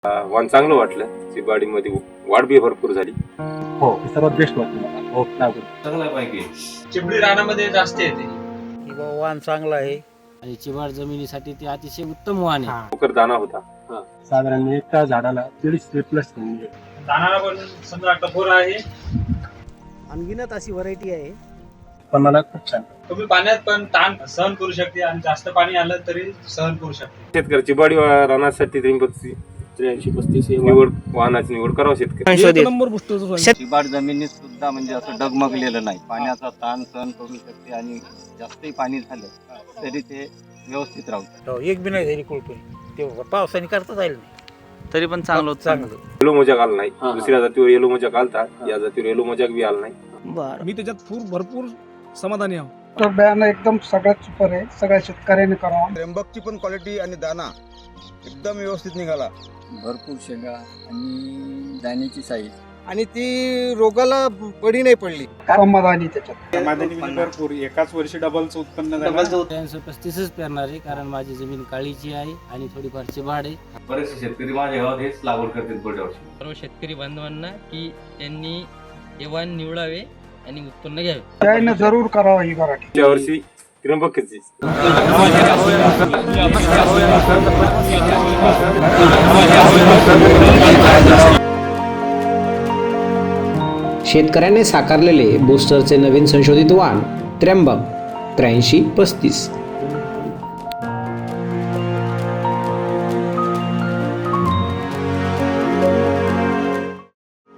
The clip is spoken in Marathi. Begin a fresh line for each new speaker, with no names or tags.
वाण चांगलं वाटलं. चिबाडीमध्ये वाढ बी भरपूर झाली.
हो सर्वात बेस्ट वाटलं मला. हो लागून
चांगला पैकी
चिबडी रानामध्ये जास्त येते.
वाण चांगला आहे
आणि चिबाड जमिनीसाठी ते अतिशय उत्तम वाण आहे.
लवकर दाना होता.
साधारण एका झाडाला 150 प्लस
दानाला पण समजा कठोर आहे.
अनगिनत अशी व्हरायटी आहे.
पण मला खूप छान.
तुम्ही पाण्यात पण ताण सहन करू शकते आणि जास्त पाणी आलं तरी सहन करू शकते.
शेतकरी चिबाडी रानासाठी 83-35 निवड वाहनाची निवड करावं शेतकरी.
चिबाड जमिनीत सुद्धा म्हणजे असं डगमगलेलं नाही. पाण्याचा ताण सहन करू शकते आणि जास्तही पाणी झालं तरी ते व्यवस्थित राहतं.
एक बी नाही झाली कुळकुळी. ते पावसाने करता जाईल नाही
तरी पण चांगलं
चांगलं.
येलो मोजाक आला नाही. दुसऱ्या जातीवर येलो मोजाक आलता, या जातीवर येलो मोजाक बी आला नाही.
बरं.
मी त्याच्यात भरपूर समाधानी आहो.
तर बियाणं एकदम सगळ्यात सुपर आहे. सगळ्या शेतकऱ्यांनी करावं.
त्र्यंबकची पण क्वालिटी आणि दाना एकदम व्यवस्थित निघाला.
भरपूर शेंगा आणि दाण्याची साईज
आणि ती रोगाला बळी नाही पडली. समाधानी त्याच्यात
भरपूर एकाच वर्षी डबलचं उत्पन्न
35 पेरणार आहे कारण माझी जमीन काळीची आहे आणि थोडीफार चिबाड आहे.
बरेचसे शेतकरी माझ्या गावात हेच लागवड करतील पुढच्या वर्षी.
सर्व शेतकरी बांधवांना की त्यांनी हे वाण निवडावे आणि उत्पन्न घ्यावे.
त्याने जरूर करावं ही व्हरायटी.
पुढच्या वर्षी त्र्यंबकची.
शेतकऱ्याने साकारलेले बूस्टरचे नवीन संशोधित वाण त्र्यंबक 8335.